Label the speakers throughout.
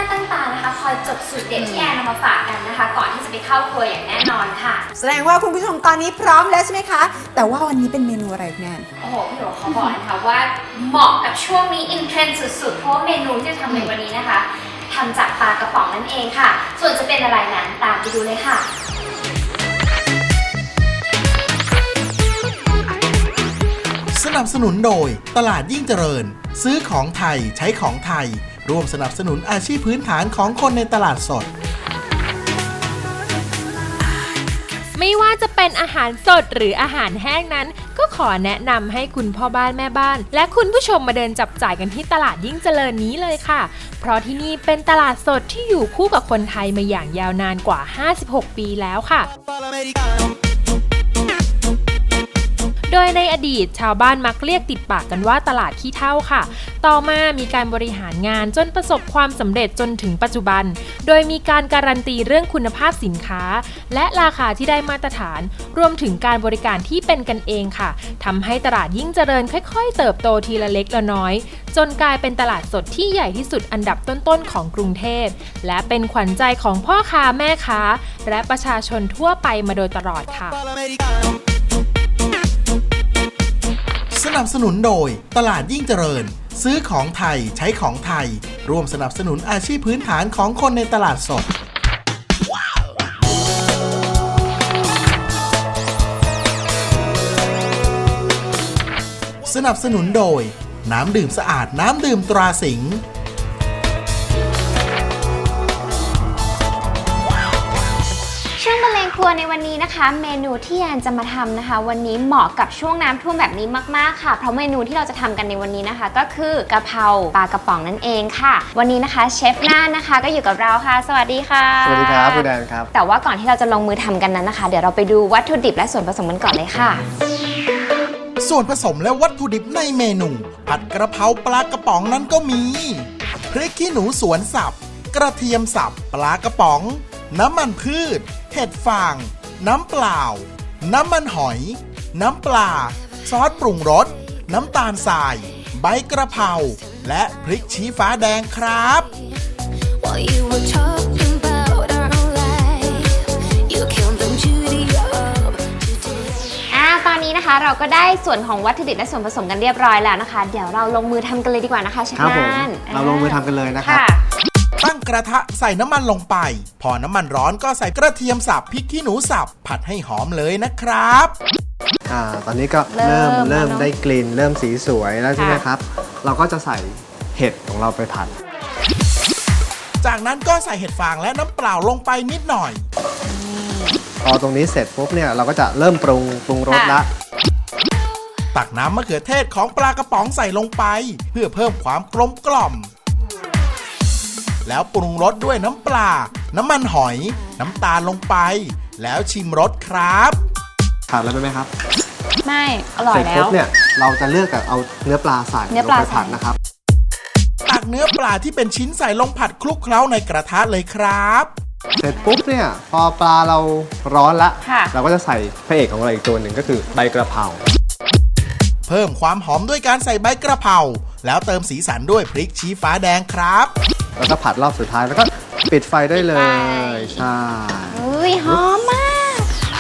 Speaker 1: ตั้งตานะคะคอยจดสูตรเด็ดที่แอนนำมาฝากกันนะคะก่อนที่จะไปเข้าครัวอย่างแน่นอนค่ะ
Speaker 2: แสดงว่าคุณผู้ชมตอนนี้พร้อมแล้วใช่ไหมคะแต่ว่าวันนี้เป็นเมนูอะไรแนน
Speaker 1: โอ้โหพี่โอ๋เขาบอกนะคะว่าเหมาะกับช่วงนี้อินเทรนด์สุดๆเพราะว่าเมนูที่จะทำในวันนี้นะคะทำจากปลากระป๋องนั่นเองค่ะส่วนจะเป็นอะไรนั้นตามไปดูเลยค่ะ
Speaker 3: สนับสนุนโดยตลาดยิ่งเจริญซื้อของไทยใช้ของไทยร่วมสนับสนุนอาชีพพื้นฐานของคนในตลาดสด
Speaker 4: ไม่ว่าจะเป็นอาหารสดหรืออาหารแห้งนั้นก็ขอแนะนำให้คุณพ่อบ้านแม่บ้านและคุณผู้ชมมาเดินจับจ่ายกันที่ตลาดยิ่งเจริญนี้เลยค่ะเพราะที่นี่เป็นตลาดสดที่อยู่คู่กับคนไทยมาอย่างยาวนานกว่า56ปีแล้วค่ะโดยในอดีตชาวบ้านมักเรียกติดปากกันว่าตลาดขี้เถ้าค่ะต่อมามีการบริหารงานจนประสบความสำเร็จจนถึงปัจจุบันโดยมีการการันตีเรื่องคุณภาพสินค้าและราคาที่ได้มาตรฐานรวมถึงการบริการที่เป็นกันเองค่ะทำให้ตลาดยิ่งเจริญค่อยๆเติบโตทีละเล็กละน้อยจนกลายเป็นตลาดสดที่ใหญ่ที่สุดอันดับต้นๆของกรุงเทพและเป็นขวัญใจของพ่อค้าแม่ค้าและประชาชนทั่วไปมาโดยตลอดค่ะ
Speaker 3: สนับสนุนโดยตลาดยิ่งเจริญซื้อของไทยใช้ของไทยร่วมสนับสนุนอาชีพพื้นฐานของคนในตลาดสดสนับสนุนโดยน้ำดื่มสะอาดน้ำดื่มตราสิงห์
Speaker 1: ช่วงบรรเลงครัวในวันนี้นะคะเมนูที่แอนจะมาทำนะคะวันนี้เหมาะกับช่วงน้ำท่วมแบบนี้มากๆค่ะเพราะเมนูที่เราจะทำกันในวันนี้นะคะก็คือกะเพราปลากระป๋องนั่นเองค่ะวันนี้นะคะเชฟน่านนะคะก็อยู่กับเราค่ะสวัสดีค่ะ
Speaker 5: สวัสดีครับคุณแดนครับ
Speaker 1: แต่ว่าก่อนที่เราจะลงมือทำกันนั้นนะคะเดี๋ยวเราไปดูวัตถุดิบและส่วนผสมกันก่อนเลยค่ะ
Speaker 3: ส่วนผสมและวัตถุดิบในเมนูผัดกระเพราปลากระป๋องนั้นก็มีพริกขี้หนูสวนสับกระเทียมสับปลากระป๋องน้ำมันพืชเห็ดฟางน้ำเปล่าน้ำมันหอยน้ำปลาซอสปรุงรสน้ำตาลทรายใบกระเพราและพริกชี้ฟ้าแดงครับ
Speaker 1: ตอนนี้นะคะเราก็ได้ส่วนของวัตถุดิบและส่วนผสมกันเรียบร้อยแล้วนะคะเดี๋ยวเราลงมือทำกันเลยดีกว่านะคะเชฟน่าน
Speaker 5: เราลงมือทำกันเลยนะครับ
Speaker 3: ตั้งกระทะใส่น้ำมันลงไปพอน้ำมันร้อนก็ใส่กระเทียมสับพริกขี้หนูสับผัดให้หอมเลยนะครับ
Speaker 5: ตอนนี้ก็เริ่มได้กลิ่นเริ่มสีสวยแล้วใช่ไหมครับเราก็จะใส่เห็ดของเราไปผัด
Speaker 3: จากนั้นก็ใส่เห็ดฟางและน้ำเปล่าลงไปนิดหน่อย
Speaker 5: พอตรงนี้เสร็จปุ๊บเนี่ยเราก็จะเริ่มปรุงรสละ
Speaker 3: ตักน้ำมะเขือเทศของปลากระป๋องใส่ลงไปเพื่อเพิ่มความกลมกล่อมแล้วปรุงรสด้วยน้ำปลาน้ำมันหอยน้ำตาลลงไปแล้วชิมรสครับ
Speaker 5: ขาดแล้วไหมครับ
Speaker 1: ไม่อร่อยแล้ว
Speaker 5: เสร็จปุ๊บเนี่ยเราจะเลือกเอาเนื้อปลาใส่ลงไปผัดนะครับ
Speaker 3: ตักเนื้อปลาที่เป็นชิ้นใส่ลงผัดคลุกเคล้าในกระทะเลยครับ
Speaker 5: เสร็จปุ๊บเนี่ยพอปลาเราร้อนละเราก็จะใส่พระเอกของเราอีกตัวหนึ่งก็คือใบกระเพรา
Speaker 3: เพิ่มความหอมด้วยการใส่ใบกระเพราแล้วเติมสีสันด้วยพริกชี้ฟ้าแดงครับ
Speaker 5: แล้วก็ผัดรอบสุดท้ายแล้วก็ปิดไฟได้เลยใช่
Speaker 1: หอมมาก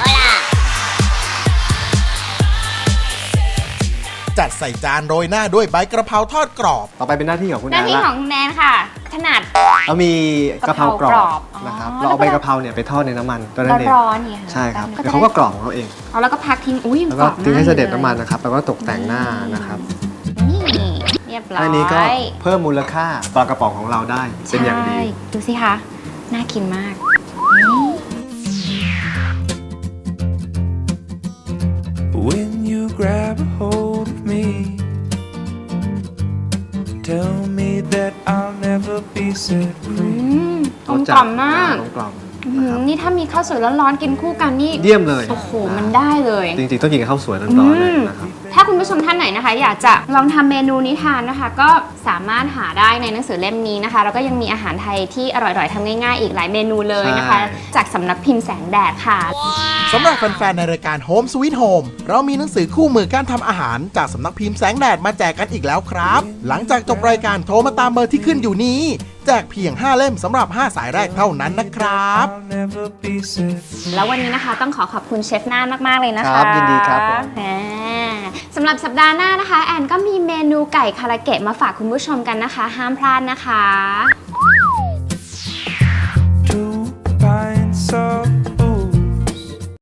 Speaker 3: จัดใส่จานโรยหน้าด้วยใบกระเพราทอดกรอบ
Speaker 5: ต่อไปเป็นหน้าที่ของคุณแนน
Speaker 1: หน้าที่ของแนนค่ะถนัด
Speaker 5: เรามีกระเพรากรอบนะครับเราเอาใบกระเพราเนี่ยไปทอดในน้ำมันตัวนั้นเอง
Speaker 1: ร้อนเนี่ย
Speaker 5: ใช่ครับเดี๋ยวเขาก็กรอบของเขาเอง
Speaker 1: แล้วก็พักทิ้ง
Speaker 5: แล้วก็ทิ้งให้เสด็จน้ำมันนะครับแล้วก็ตกแต่งหน้านะครับ
Speaker 1: เรียบร้อย
Speaker 5: อันนี้ก็เพิ่มมูลค่าปลากระป๋องของเราได้เป็นอย่างดี
Speaker 1: ดูสิคะน่ากินมาก
Speaker 6: When you grab a hold of me Tell me that I'll never be set free
Speaker 1: กลมกล่อมมากนี่ถ้ามีข้าวสวยร้อนๆกินคู่กันนี่
Speaker 5: เยี่ยมเลย
Speaker 1: โอ้โหมันได้เลย
Speaker 5: จริงๆต้องกินกับข้าวสวยร้อนๆเลยนะครับ
Speaker 1: ถ้าคุณผู้ชมท่านไหนนะคะอยากจะลองทำเมนูนี้ทานนะคะก็สามารถหาได้ในหนังสือเล่มนี้นะคะแล้วก็ยังมีอาหารไทยที่อร่อยๆทำง่ายๆอีกหลายเมนูเลยนะคะจากสำนักพิมพ์แสงแดดค่ะ
Speaker 3: สำหรับแฟนๆในรายการ Home Sweet Home เรามีหนังสือคู่มือการทำอาหารจากสำนักพิมพ์แสงแดดมาแจกกันอีกแล้วครับหลังจากจบรายการโทรมาตามเบอร์ที่ขึ้นอยู่นี้แจกเพียง 5 เล่มสำหรับ 5 สายแรกเท่านั้นนะครับ
Speaker 6: I'll never be set free.
Speaker 1: แล้ววันนี้นะคะต้องขอบคุณเชฟน่านมากๆเลยนะคะ
Speaker 5: ครับยินดีครับผม
Speaker 1: สำหรับสัปดาห์หน้านะคะแอนก็มีเมนูไก่คาราเกะมาฝากคุณผู้ชมกันนะคะห้ามพลาดนะคะ